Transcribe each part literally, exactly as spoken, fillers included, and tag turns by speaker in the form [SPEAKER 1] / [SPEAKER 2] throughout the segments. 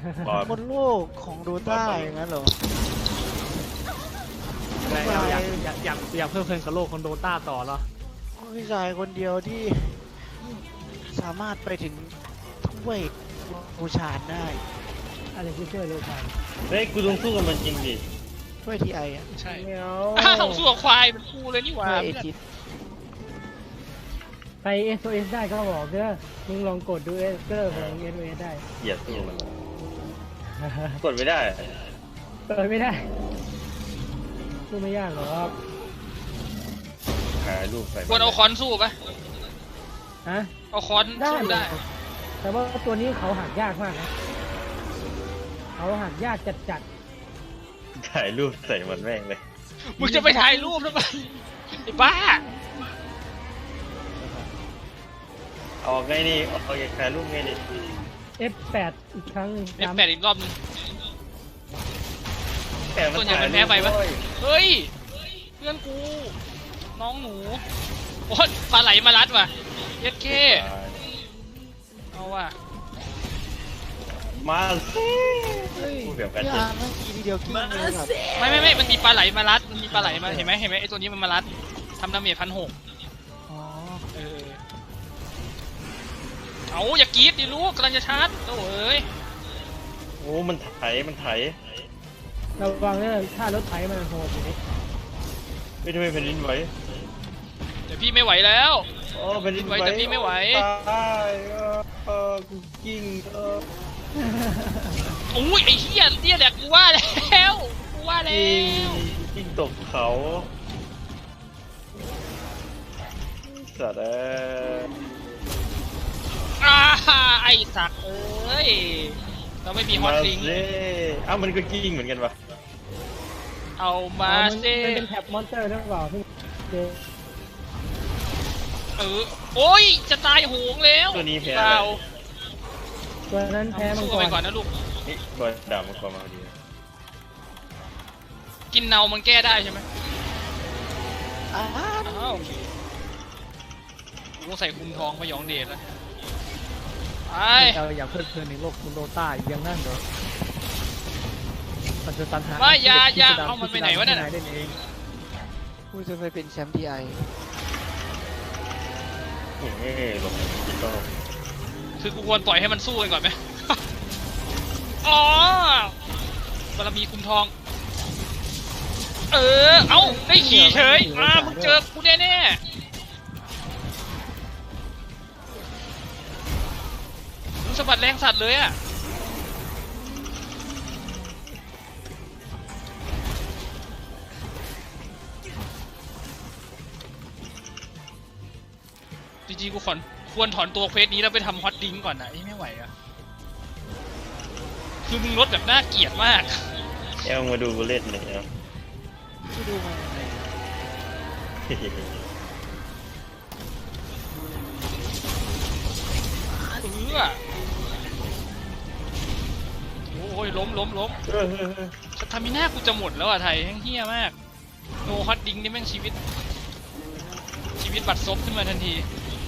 [SPEAKER 1] บนโลกของโดต้าอย่างนั้นเหรอ
[SPEAKER 2] อยากอยากอยากอยากเพิ่มเพลินกับโลกของโดตาต่อเหรอ
[SPEAKER 1] ผู้ชายคนเดียวที่สามารถไปถึงถ้วยบูชาได้
[SPEAKER 3] อะไรที่ช่วยเร็วไป
[SPEAKER 4] เฮ้ยกูต้องสู้กับมันจริงดิ
[SPEAKER 1] ถ้วยทีไออ่ะ
[SPEAKER 5] ใช่
[SPEAKER 3] เดี๋ยว
[SPEAKER 5] อ้าวสู้กับควายเป็นคู่เลยนี่หว่า
[SPEAKER 1] ถ้วยเอจิส
[SPEAKER 3] ไป เอส โอ เอส ได้ก็บอกเด้อมึงลองกดดูเอสเกอร์ของ เอส โอ เอส ได้
[SPEAKER 4] เหยียดสู้มันกดไม่ได้
[SPEAKER 3] เปิดไม่ได้สู้ไม่ยากหรอก
[SPEAKER 4] หารูปใส่
[SPEAKER 5] ควรเอาคอนสู้ปะ
[SPEAKER 3] ฮะ
[SPEAKER 5] เอาคอนสู้ได้
[SPEAKER 3] แต่ว่าตัวนี้เขาหักยากมากนะเขาหักยากจัดจัด
[SPEAKER 4] ถ่ายรูปใส่มันแม่งเลย
[SPEAKER 5] มึงจะไปถ่ายรูปทำไมไอ้บ้า
[SPEAKER 4] ออกไงนี่ออกจากถ่ายรูปไงดิ
[SPEAKER 3] เอฟ แปด อีกครั้งหนึ่ง
[SPEAKER 5] เอฟแปดอีกรอบนึง
[SPEAKER 4] แต่มัน
[SPEAKER 5] ส่วนใหญ่
[SPEAKER 4] ถ่าย
[SPEAKER 5] มันแพ้ไปปะ
[SPEAKER 4] โอ้ย
[SPEAKER 5] เฮ้ยเพื่อนกูน้องหนูโอ๊ยปลาไหลมารัดว่ะเย็ดเคเอาว่ะ
[SPEAKER 4] มาสิ
[SPEAKER 1] เฮ้ย
[SPEAKER 4] พูดแบบกัน
[SPEAKER 1] พี่
[SPEAKER 4] จริง
[SPEAKER 1] อาร์เมื่อกี้ทีเดียวกิ้งเลยครับ
[SPEAKER 5] ไม่ไม่ไม่มันมีปลาไหลมารัดมันมีปลาไหลมาเห็นไหมเห็นไหมไอตัวนี้มันมารัดทำดาเมจพันหก
[SPEAKER 1] อ๋อ
[SPEAKER 5] เออเอาอย่ากรีดดิลูกกำลังจะชาร์จโอ้เอ้ย
[SPEAKER 4] โอ้มันไถมันไถ
[SPEAKER 3] ระวังเรื่องถ้ารถไถมันโหดอยู่นี่
[SPEAKER 4] ไม่ทำไมแผ่นดินไหว
[SPEAKER 5] เดี๋ยวพี่ไม่ไหวแล้ว
[SPEAKER 4] โอ้แผ่นดินไหว
[SPEAKER 5] แต่พี่ไม่ไหว
[SPEAKER 4] ตายเออเออกูกิ้งเออ
[SPEAKER 5] โอ้ยไอ้เหี้ยเนี่ยแหละกูว่าแล้วกูว่าแล้
[SPEAKER 4] กิ้ง
[SPEAKER 5] ว
[SPEAKER 4] กิ้งตกเขาสัตว์เอ้ย
[SPEAKER 5] อ่าไอ้สักเอ้ยเราไม่มีฮอตลิง
[SPEAKER 4] มาสิเอ้ามันก็กิ้งเหมือนกันวะ
[SPEAKER 5] เอามา
[SPEAKER 3] อ๋อมัน
[SPEAKER 5] สิ
[SPEAKER 3] มันเป็นแท็บมอนสเตอร์หรือเปล่าที่เจอ
[SPEAKER 5] เออโอ้ยจะตายโหงแล้ว
[SPEAKER 4] ตัวนี้แพ้
[SPEAKER 5] เป
[SPEAKER 4] อะไร
[SPEAKER 5] ล่า
[SPEAKER 3] ตัวนั้นแพ้มัง
[SPEAKER 5] สู้
[SPEAKER 3] ก
[SPEAKER 5] ไป
[SPEAKER 3] ร
[SPEAKER 5] ก่อนนะลูก
[SPEAKER 4] นี่ตัวดาบมันก็มาดี
[SPEAKER 5] กินเนามันแก้ได้ใช่ไหม
[SPEAKER 1] อ้า
[SPEAKER 5] อ้าวโอเคกูต้องใส่คุมทองพยองเดชแล้วไป
[SPEAKER 2] เราอยากเพลิดเพลินในโลกของโดตาอีกอย่างนั้นเหรอมันจะตันหา
[SPEAKER 5] ไม่อย่าอย่า
[SPEAKER 2] พิสดร
[SPEAKER 5] เอามันไปไหนวะเนี่ย
[SPEAKER 2] พิสดรที่ไหเล่นเอง
[SPEAKER 1] กูจะไปเป็นแชมป์ทีไอ
[SPEAKER 4] เฮ้ยหลบจิตโต
[SPEAKER 5] คือกูควรปล่อยให้มันสู้กันก่อนไหม อ๋อบารมีคุมทอง เออ เอ้า ได้ขี่เฉยอ่ามึงเจอกูแน่แน่มึงสะบัดแรงสัตว์เลยอะจริงๆกูขอนควรถอนตัวเควสนี้แล้วไปทำฮอตดิ้งก่อนนะไอ้ไม่ไหวอะคือมึงลดแบบน่าเกลียดมาก
[SPEAKER 4] เอ้ามาดูกูเล่นเลยเนาะ
[SPEAKER 1] ที่ดูมายังไง
[SPEAKER 5] เออโอ้ยล้มล้มล้มสตามิน่ากูจะหมดแล้วอ่ะไทยแห้งเฮี้ยมากโนฮอตดิ้งนี่แม่งชีวิตชีวิตบัดซบขึ้นมาทันที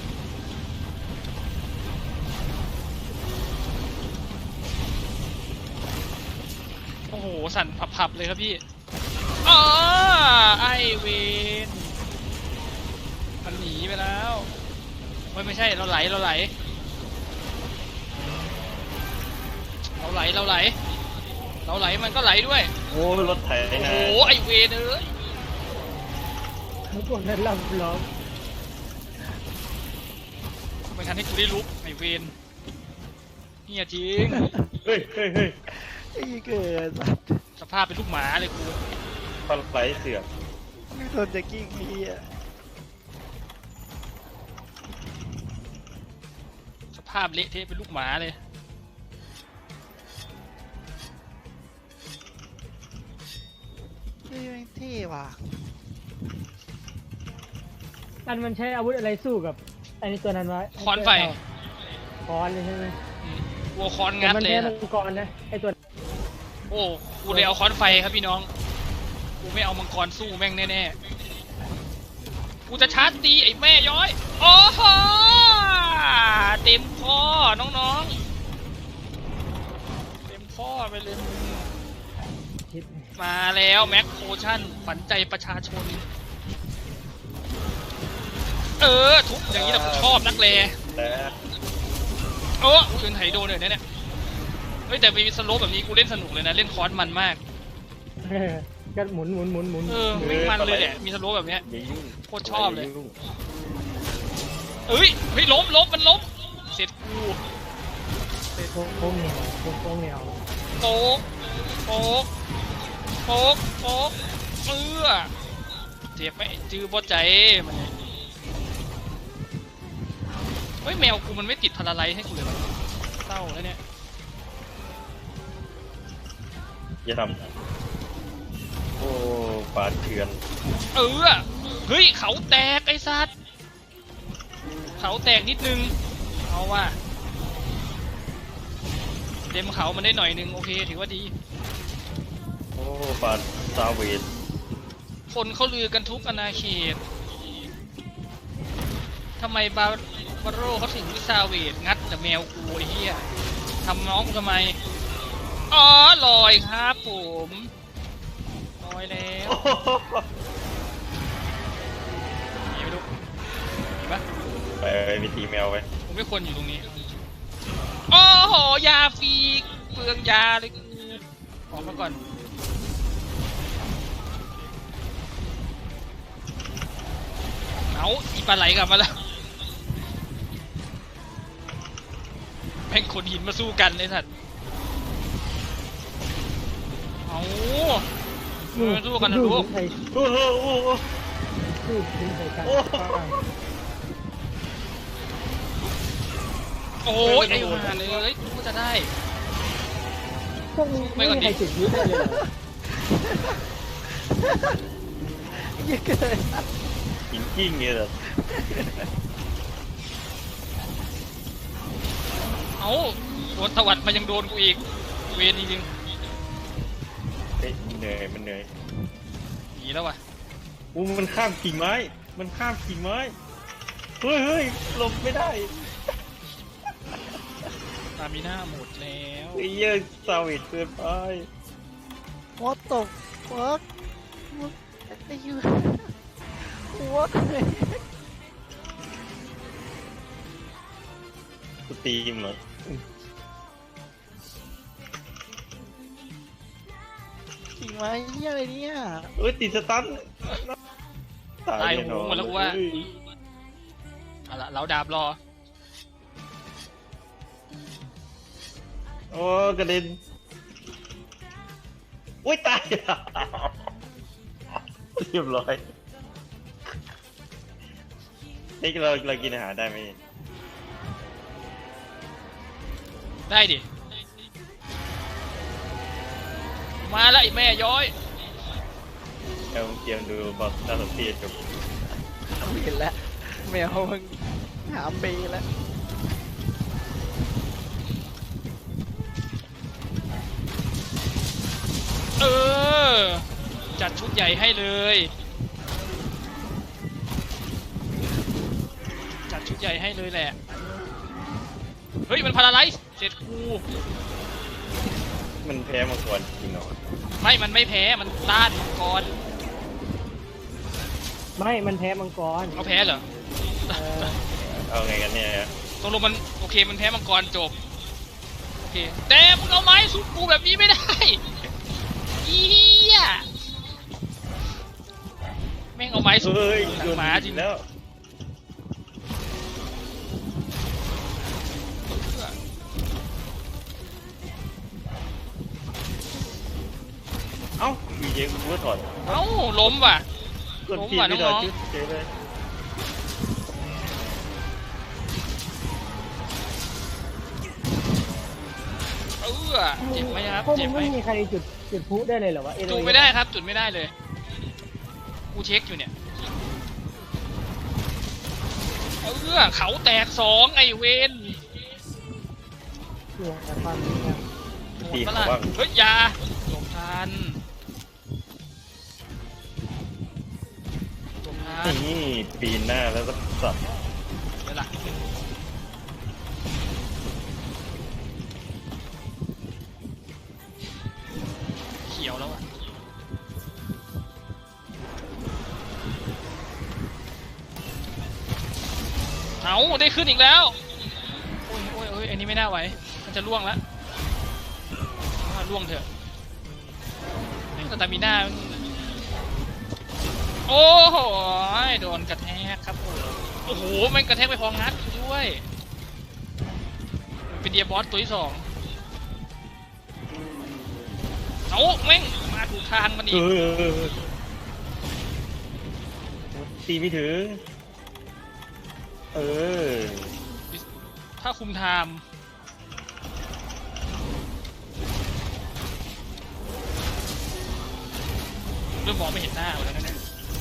[SPEAKER 5] โอ้โหสั่นผับๆเลยครับพี่อ๋อไอเวนมันหนีไปแล้วไม่ไม่ใช่เราไหลเราไหลเราไหลเราไหลเราไหลมันก็ไหลด้วย
[SPEAKER 4] โอ้รถไถ
[SPEAKER 5] โอ้
[SPEAKER 4] นะ
[SPEAKER 5] โหไอเวนเอ้ย
[SPEAKER 3] ทั้งพวกนั้นลำล้อม
[SPEAKER 5] ไม่ทันให้กูได้ลุกไอเวนเฮียจริง
[SPEAKER 4] เฮ้ยเฮ้ยเฮ้ย
[SPEAKER 1] ไอ้เกิดสัตว์
[SPEAKER 5] สภาพเป็นลูกหมาเลยกู
[SPEAKER 4] ปลาไหลเสือก
[SPEAKER 1] ไม่ทนจะกิ้งพี่อ่ะ
[SPEAKER 5] สภาพเละเทะเป็นลูกหมาเลย
[SPEAKER 1] เฮ้ยแม่งเท่ว่ะ
[SPEAKER 3] อันมันใช้อาวุธอะไรสู้กับไอ้นี่ตัวนั้นวะ
[SPEAKER 5] คอนไฟ
[SPEAKER 3] คอนเลยใช่ไหม
[SPEAKER 5] อืมวัวคอน
[SPEAKER 3] แต่
[SPEAKER 5] งัด
[SPEAKER 3] มัน
[SPEAKER 5] เลย
[SPEAKER 3] แพ้
[SPEAKER 5] นะ
[SPEAKER 3] มังกรนะไอ้ตัว
[SPEAKER 5] โอ้กูเลยเอาคอนไฟครับพี่น้องกูไม่เอามังกรสู้แม่งแน่ๆกูจะชาร์จตีไอ้แม่ย้อยโอ้โหเต็มคอน้องๆเต็มพ่อไปเลย
[SPEAKER 3] คิด
[SPEAKER 5] มาแล้วแม็กโพชั่นฝันใจประชาชน เออทุบอย่างนี้เราชอบนักเล
[SPEAKER 4] แต่
[SPEAKER 5] โอ้คืนไถโดนเลยนะเนี่ยเฮ้ยแต่มีสโลปแบบนี้กูเล่นสนุกเลยนะเล่นคอร์สมันมาก
[SPEAKER 3] เออก็หมุนหมุนหมุนหมุน
[SPEAKER 5] เออไม่มันเลยแหละมีสโลปแบบเนี้ย
[SPEAKER 4] อย่ายุ่ง
[SPEAKER 5] โคตรชอบเลย
[SPEAKER 4] ายุ่ง
[SPEAKER 5] เอ้ยเฮ้ยล้มล้มมันล้มเสร็จกู
[SPEAKER 3] โค้งโค้งแนวโค้งโค้งแนว
[SPEAKER 5] โป๊กโป๊กโป๊กโป๊กเออเจ็บไหมจื้อบอใจมันเนี่ยเฮ้ยแมวกูมันไม่ติดพาราไลท์ให้กูเลยวะเศร้าแล้วเนี่ย
[SPEAKER 4] อย่าทำโอ้ปาดเถื่อน
[SPEAKER 5] เออเฮ้ยเขาแตกไอ้สัตว์เขาแตกนิดนึงเอาว่ะเต็มเขามันได้หน่อยนึงโอเคถือว่าดี
[SPEAKER 4] โอ้ปาดซาเวด
[SPEAKER 5] คนเขาลือกันทุกอาณาเขตทำไมบาบาโร่เขาถึงวิซาเวดงัดแต่แมวกูไอ้เหี้ยทำน้องกูทำไมอ๋อลอยครับผมลอยแล้วหนีไปดูเห็นปะ
[SPEAKER 4] ไปไปตีแมวไป
[SPEAKER 5] ผมไม่ควรอยู่ตรงนี้โอ้โหยาฟรีเปลืองยาเลยกูออกมาก่อนเอาอีปลาไหลกลับมาแล้วแม่งขนหินมาสู้กันเลยสัตว์เอามาสู้กันนะลูก
[SPEAKER 3] ใส่
[SPEAKER 4] โอ้โหโอ้โห
[SPEAKER 3] สู้ถึงใส่กัน
[SPEAKER 5] โอ้ยไอ้ห่าเลยกูจะได้
[SPEAKER 3] พวกมึงไม่มีใครจุดยุทธได้เลยเหรอ
[SPEAKER 1] เยอะเกิน
[SPEAKER 4] หินกิ้งเนี่ยเหรอ
[SPEAKER 5] เอาโดนตวัดมายังโดนกูอีกเวรจริง
[SPEAKER 4] เฮ้ยมันเหนื่อยมันเหนื่อย
[SPEAKER 5] ๆหนีแล้ววะ
[SPEAKER 4] อู้มันข้ามกิ่งไม้ มันข้ามกิ่งไม้เฮ้ยเฮ้ยหลบไม่ได้
[SPEAKER 5] ตามีหน้าหมดแล้ว
[SPEAKER 4] ไอ้เหี้ยซาเวดเกินไป
[SPEAKER 1] วอตตกฟักไอ้ยูวอต
[SPEAKER 4] กูตีมเหรอ
[SPEAKER 1] จริงไหมเฮียอะไรเนี่ย
[SPEAKER 4] เอ้ยติดสตัน
[SPEAKER 5] ตาย
[SPEAKER 4] แน่
[SPEAKER 5] โห
[SPEAKER 4] นอง
[SPEAKER 5] หมดแล้วกูว่า
[SPEAKER 4] เฮ้ย
[SPEAKER 5] เอาละเราดาบรอ
[SPEAKER 4] โอ้กระเด็นอุ้ยตาย เรียบร้อยนี่เราเรากินอาหารได้ไหม
[SPEAKER 5] ได้ดิมาแล้วไอ้แม่ย้อย
[SPEAKER 4] เราเตรียมดูบอสน่าสนใจจบ
[SPEAKER 1] เห็นแล้วแมวมึงหามไปแล้ว
[SPEAKER 5] เออจัดชุดใหญ่ให้เลยจัดชุดใหญ่ให้เลยแหละเฮ้ยมันพาราไลซ์เสร็จกู
[SPEAKER 4] มันแพ้มังกรจริงเหรอ
[SPEAKER 5] ไม่มันไม่แพ้มันต้านก่อน
[SPEAKER 3] ไม่มันแพ้มังกร
[SPEAKER 5] เขาแพ้เหรอ
[SPEAKER 3] เออ
[SPEAKER 4] เอาไงกันเนี่ย
[SPEAKER 5] ตกลงมันโอเคมันแพ้มังกรจบโอเคแต่มึงเอาไม้สู้กูแบบนี้ไม่ได้อีเหี้ยแม่งเอาไม้สู้
[SPEAKER 4] เฮ้ย
[SPEAKER 5] หนั
[SPEAKER 4] โด
[SPEAKER 5] ง
[SPEAKER 4] น
[SPEAKER 5] หมาจริง
[SPEAKER 4] แล้วเอ้ามีเยกูก็ถอด
[SPEAKER 5] เอ้าล้มว่ะ
[SPEAKER 4] กด
[SPEAKER 5] ล้ม
[SPEAKER 4] ผิด
[SPEAKER 5] ว่ะ
[SPEAKER 4] ไม่ถอด
[SPEAKER 5] น้อง
[SPEAKER 4] ชุดเฉยเลย
[SPEAKER 5] ๆเออเจ็บไหมครับ
[SPEAKER 3] พวก
[SPEAKER 5] เจ็
[SPEAKER 3] มึ
[SPEAKER 5] บ
[SPEAKER 3] ง
[SPEAKER 5] ไหม
[SPEAKER 3] ไม่มีใครจุดจุดพลุได้เลยเหรอวะเอโด
[SPEAKER 5] จุดไม่ได้ครับ จุดไม่ได้เลยกูเช็คอยู่เนี่ยเออเขาแตกสองไอเวน
[SPEAKER 3] เสียแต่ความจริงอะ
[SPEAKER 5] หมด
[SPEAKER 4] ตี
[SPEAKER 5] ปะ
[SPEAKER 4] เขา
[SPEAKER 5] ล่ะ
[SPEAKER 4] บ้าง
[SPEAKER 5] เฮ้ยอยาหลบทันหลบทัน
[SPEAKER 4] นี่ปีนหน้าแล้วก็สับ
[SPEAKER 5] เดี๋ยวล่ะเอาได้ขึ้นอีกแล้วโอ้ยโอ้ยโอ้ยอันนี้ไม่น่าไหวมันจะล่วงแล้วล่วงเถอะสตามิน่าโอ้โหโดนกระแทกครับโอ้โอ้โหมันกระแทกไปพองัดด้วยเป็นเดียบอสตัวที่สองเอาแม่งมาถูกทางมันอี
[SPEAKER 4] เอก อตีไม่ถึงเออ
[SPEAKER 5] ถ้าคุมไทม์เริ่มมองไม่เห็นหน้าแล้วนะเนี่ย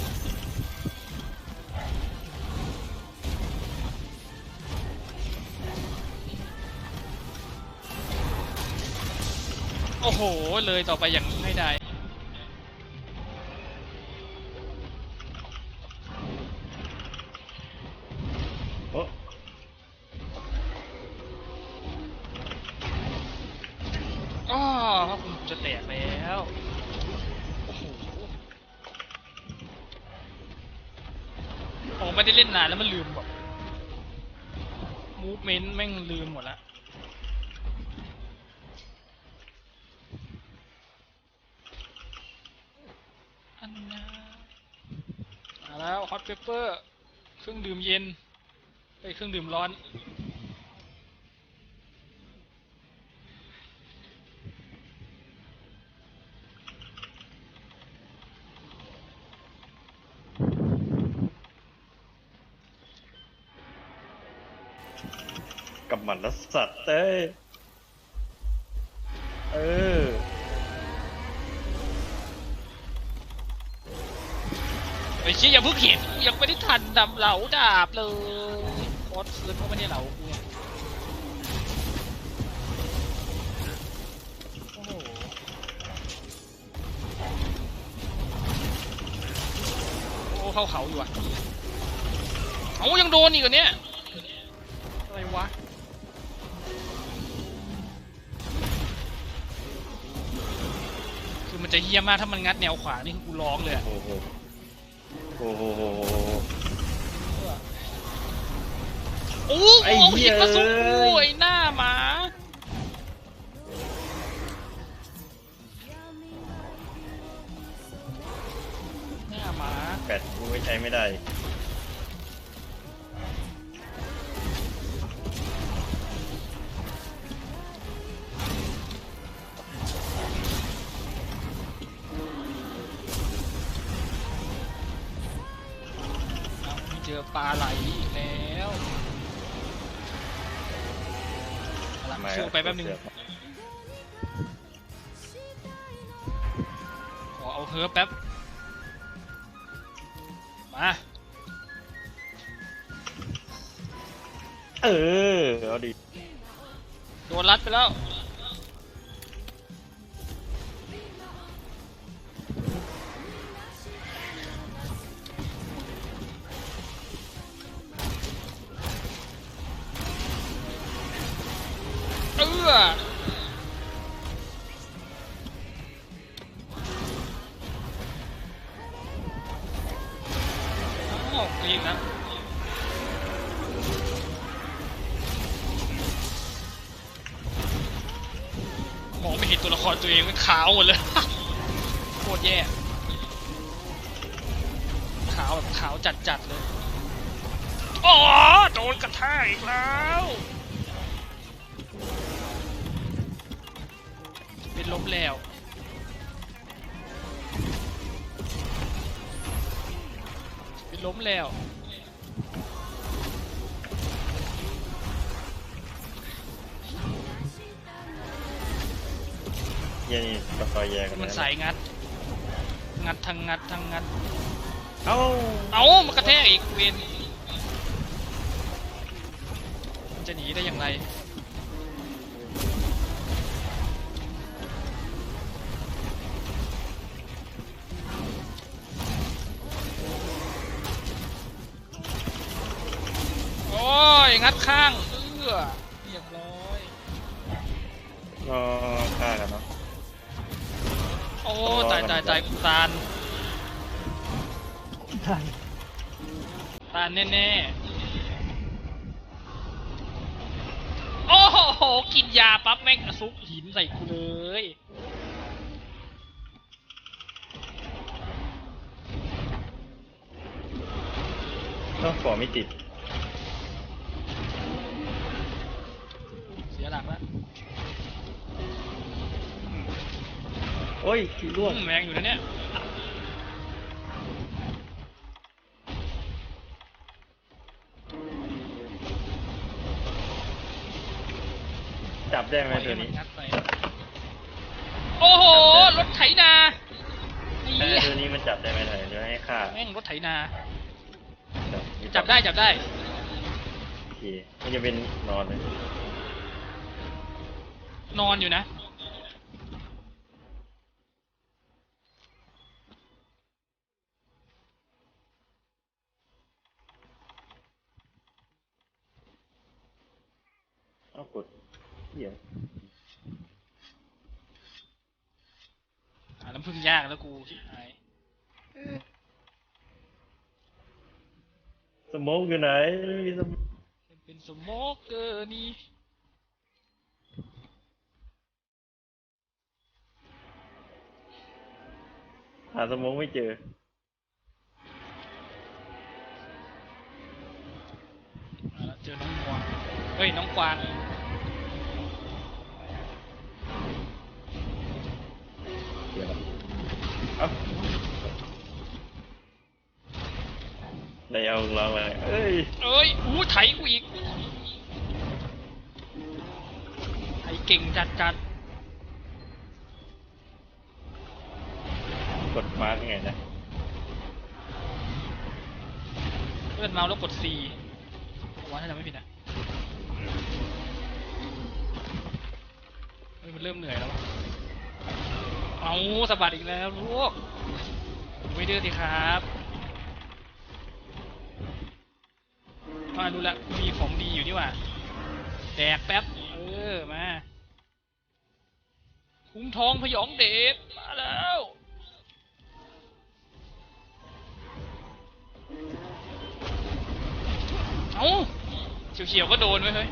[SPEAKER 5] โอ้โหเลยต่อไปอย่างไม่ได้
[SPEAKER 4] โอ้
[SPEAKER 5] อ๋อพระคุณจะแตกแล้วโอ้โหโอ้ไม่ได้เล่นนานแล้วมันลืมแบบมูฟเมนต์แม่งลืมหมดละอันนะมาแล้วฮอตเปเปอร์เครื่องดื่มเย็นไอ้เครื่องดื่มร้อน
[SPEAKER 4] กับหมันแล้วสัตว์เต้ยเออ
[SPEAKER 5] ไอ้เชี่ยอย่าเพิ่งเห็นยังไม่ได้ทันดำเหลาดาบเลยคอสคืนเขาไม่ได้เหลากูเนี่ยโอ้โหโอ้เข้าเขาอยู่อ่ะเอายังโดนอีกเหรอเนี่ยอะไรวะคือมันจะเฮี้ยมากถ้ามันงัดแนวขวานี่คือกูร้องเลยอะ
[SPEAKER 4] โอ้โหโอ้โห
[SPEAKER 5] โอ้
[SPEAKER 4] ไอ้
[SPEAKER 5] โห
[SPEAKER 4] เหี้
[SPEAKER 5] หิ
[SPEAKER 4] ย
[SPEAKER 5] นมาสู้กูไอ้หน้าหมาหน้าหมา
[SPEAKER 4] แปดกูไม่ใช้ไม่ได้
[SPEAKER 5] เจอปลาไหลอีกแล้วเอาล่ะ
[SPEAKER 4] มา
[SPEAKER 5] สู้ไปแป๊บนึงขอเอาเฮิร์บแป๊บมา
[SPEAKER 4] เออเอาดิ
[SPEAKER 5] โดนรัดไปแล้วเออโอ้กรีดนะมองไม่เห็นตัวละครตัวเองมันขาวหมดเลย โคตรแย่ขาวแบบขาวจัดๆเลยอ๋อโดนกระแทกอีกแล้วเป็นล้มแล้วเป็นล้มแล้ว
[SPEAKER 4] เหี้ยนี่ตะคอยแย่กัน
[SPEAKER 5] มันสายงัดงัดทางงัดทางงัด
[SPEAKER 4] เอ้า
[SPEAKER 5] เอามันกระแทกอีกเวนมันจะหนีได้อย่างไรโอ้ยงัดข้างเอื้อเรียบร้อย
[SPEAKER 4] ก็ฆ่ากันเนาะ
[SPEAKER 5] โอ้ตายตายตายกูตาน
[SPEAKER 3] ทัน
[SPEAKER 5] ตานแน่กินยาปั๊บแม่งซุกหินใส่กูเลย
[SPEAKER 4] ต้องขอไม่ติด
[SPEAKER 5] เสียหลักแล้ว
[SPEAKER 4] โอ้ยร่วง
[SPEAKER 5] อืมแรงอยู่นะเนี่ย
[SPEAKER 4] จับได้ไหมตัวนี้
[SPEAKER 5] งัดไปโอ้โห รถไถนาไอ้
[SPEAKER 4] เออ
[SPEAKER 5] เหี้ย
[SPEAKER 4] ตัวนี้มันจับได้ไหมไหนเดี๋ยวให้ฆ่า
[SPEAKER 5] แม่งรถไถนา
[SPEAKER 4] จับ
[SPEAKER 5] จับได้จับได้
[SPEAKER 4] โอเคมันจะเป็นนอนเลย
[SPEAKER 5] นอนอยู่นะ
[SPEAKER 4] เอากดเดี๋ยว
[SPEAKER 5] หาน้ำพึ่งยากแล้วกูชิบหาย
[SPEAKER 4] สโมกอยู่ไหนไม่มีสโมก
[SPEAKER 5] เป็นสโมกเกอร์นี่
[SPEAKER 4] หาสโมกไม่เจอ
[SPEAKER 5] มาแล้วเจอน้องกวางเฮ้ยน้องกวาง
[SPEAKER 4] เดี๋ยวเอ้าได้เอาเราไปเอ้ย
[SPEAKER 5] เอ้ยอู้ไถกูอีกไถเก่งจัดจัด
[SPEAKER 4] กดมาร์กยังไงนะ
[SPEAKER 5] เลื่อนเมาส์แล้วกด C ว่าถ้าจำไม่ผิดนะเฮ้ยมันเริ่มเหนื่อยแล้วอะเอาสะบัดอีกแล้วลูกไม่ดื้อสิครับมาดูละมีของดีอยู่นี่หว่าแดกแป๊บเออมาคุ้มทองพยองเดชมาแล้วเอาเฉียวๆก็โดนไว้เฮ้ย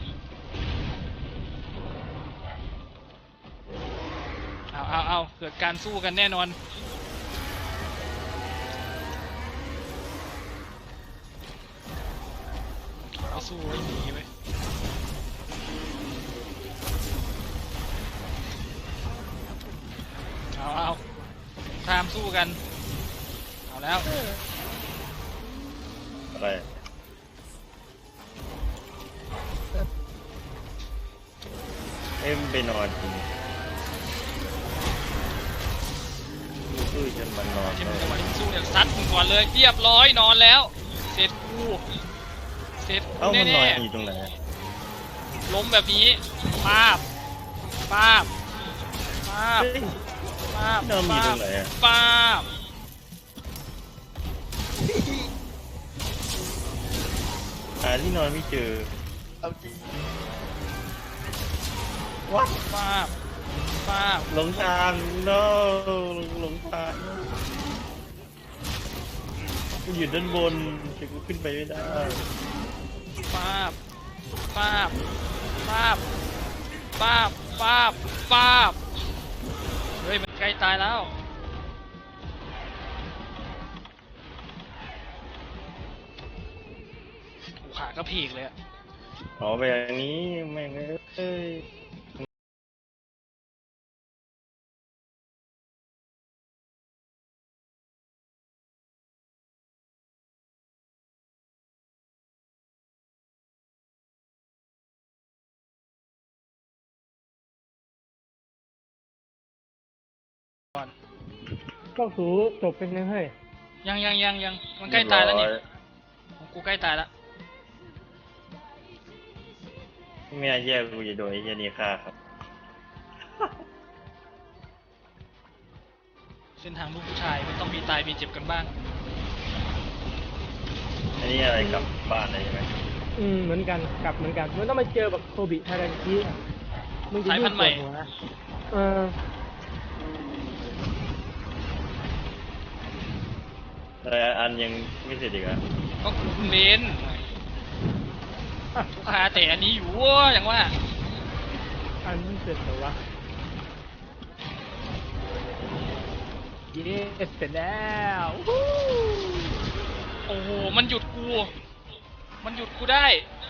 [SPEAKER 5] เอาเอาเอาเกิดการสู้กันแน่นอนเอาสู้ไว้หนีไว้เอาเอาตามสู้กันเอาแล้ว
[SPEAKER 4] อะไรเอ็มไปนอนจริงสู้จนมันนอน
[SPEAKER 5] เกม
[SPEAKER 4] เลย
[SPEAKER 5] จังหวะที่สู้เนี่ยซัดมึงก่อนเลยเรียบร้อยนอนแล้วเสร็จกูเสร็จ
[SPEAKER 4] เอ้า
[SPEAKER 5] กู
[SPEAKER 4] มันนอ
[SPEAKER 5] แน่
[SPEAKER 4] นอยู่ตรงไหนอะ
[SPEAKER 5] ๆล้มแบบนี้ป้าบป้าบป้าบ
[SPEAKER 4] เฮ้ย
[SPEAKER 5] ป้าบ
[SPEAKER 4] นอนอยู่
[SPEAKER 5] ป้า
[SPEAKER 4] ตร
[SPEAKER 5] บ
[SPEAKER 4] งไหนอะ
[SPEAKER 5] ป้าบ
[SPEAKER 4] หาที่นอนไม่เจอ
[SPEAKER 1] เอาจริง
[SPEAKER 4] วัด
[SPEAKER 5] ป้าบป้าบ
[SPEAKER 4] หลงทาง no หลงทางกูอยู่ด้านบนแต่กูขึ้นไปไม่ได้
[SPEAKER 5] ป้าบป้าบป้าบป้าบป้าบป้าบเฮ้ยมันใกล้ตายแล้วโอ้ขาก็พีกเลยอะ
[SPEAKER 4] ขอไปอย่างนี้แม่งเอ้ย
[SPEAKER 3] ก็สูจบเป็นยังเฮ้ย
[SPEAKER 5] ยังยังยังยังมันใกล้ตายแล้วนี่ของกูใกล้ตายแล้ว
[SPEAKER 4] ไม่น่าเชื่อกูจะโดนไอ้เหี้ยนี่ฆ่าครับ
[SPEAKER 5] เส้นทางลูกผู้ชายมันต้องมีตายมีเจ็บกันบ้าง
[SPEAKER 4] อันนี้อะไรกลับบ้านเลยใช่ไหม
[SPEAKER 3] อืมเหมือนกันกลับเหมือนกันมันต้องมาเจอแบบโคบิทารันคิมึงจะ
[SPEAKER 5] สายพันธุ์ใหม่
[SPEAKER 3] ยิ่งปวดหัวเออ
[SPEAKER 4] แต่อันยังไม่เสร็จอีกเหรอ่ะ
[SPEAKER 5] ก็คุณเบนลูกค้าแต่อันนี้อยู่เว้ยอย่างว่า
[SPEAKER 2] อันนี้เสร็จแล้ววะเย้เสร็จแล้ววู้
[SPEAKER 5] โอ้โหมันหยุดกู มันหยุดกูได้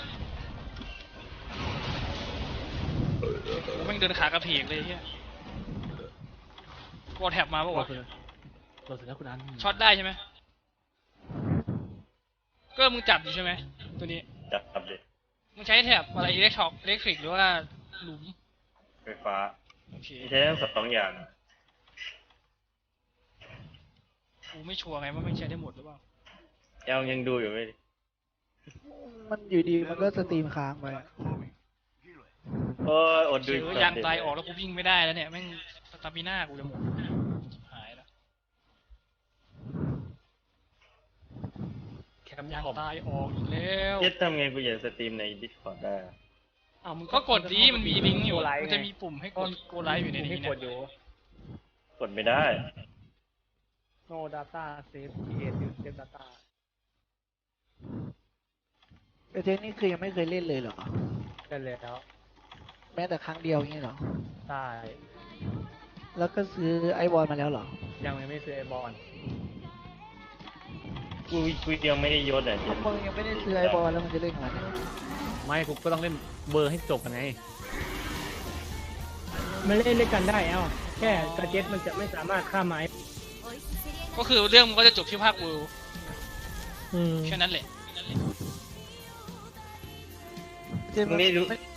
[SPEAKER 5] โอ้โหแม่งเดินขากระเพกเลยเฮียกดแท็บมาปะวะ
[SPEAKER 2] เราเสร็จแล้วคุณอัน
[SPEAKER 5] ช็อตได้ใช่ไหมก็มึงจับอยู่ใช่ไหมตัวนี้
[SPEAKER 4] จับจับเลย
[SPEAKER 5] มึงใช้แท็บอะไรอิเล็กทรอกอิเล็กทริกหรือว่าหลุม
[SPEAKER 4] ไฟฟ้า
[SPEAKER 5] โอเค
[SPEAKER 4] ใช้ทั้งสองอย่าง
[SPEAKER 5] กูไม่ชัวร์ไงว่ามันใช้ได้หมดหรือเปล่า
[SPEAKER 4] ยังยังดูอยู่ไหม
[SPEAKER 1] มันอยู่ดีมันก็สตรีมค้างไปอะ
[SPEAKER 4] โอ้ยอดดู
[SPEAKER 5] เชื้อยางตายออกแล้วกูวิ่งไม่ได้แล้วเนี่ยแม่งสตามิน่ากูจะหมดหายแล้ว
[SPEAKER 2] แคม
[SPEAKER 5] ยาง
[SPEAKER 2] ขอบ
[SPEAKER 5] ตายออกอีกแล้ว
[SPEAKER 4] เย็ดทำไงกูอยากสตรีมใน Discord ได้
[SPEAKER 2] อ้าวมึง
[SPEAKER 5] ก็กดดีมันมีลิงก์อยู่
[SPEAKER 2] ไล
[SPEAKER 5] มันจะมีปุ่มให้กดโกไลฟ์อยู่ในนี้
[SPEAKER 2] ให้
[SPEAKER 5] นะ
[SPEAKER 2] กดอยู่
[SPEAKER 4] กดไม่ได้
[SPEAKER 2] no data save create new save data
[SPEAKER 1] แต่เจนนี่คือยังไม่เคยเล่นเลยเหรอ
[SPEAKER 2] ได้แล้ว
[SPEAKER 1] แม้แต่ครั้งเดียวอย่างนี้เหรอ
[SPEAKER 2] ได้
[SPEAKER 1] แล้วก็ซื้อไอบอลมาแล้วเหรอ
[SPEAKER 2] ยังไม่ซื้อไอบอล
[SPEAKER 4] กูกูยังไม่ได้ยศอ่ะเย็น
[SPEAKER 1] มึงยังไม่ได้ซื้อไอบอลแล้วมันจะเล่นมัน
[SPEAKER 2] ไม่กูก็ต้องเล่นเบอร์ให้จบกันไง
[SPEAKER 3] มันเล่นเล่นกันได้เอ้าแค่กระเจ็ตมันจะไม่สามารถข้ามไม้
[SPEAKER 5] ก็คือเรื่องมันก็จะจบที่ภาคกู
[SPEAKER 3] อืม
[SPEAKER 5] แค่นั้นแหละ
[SPEAKER 1] เจนมันไม่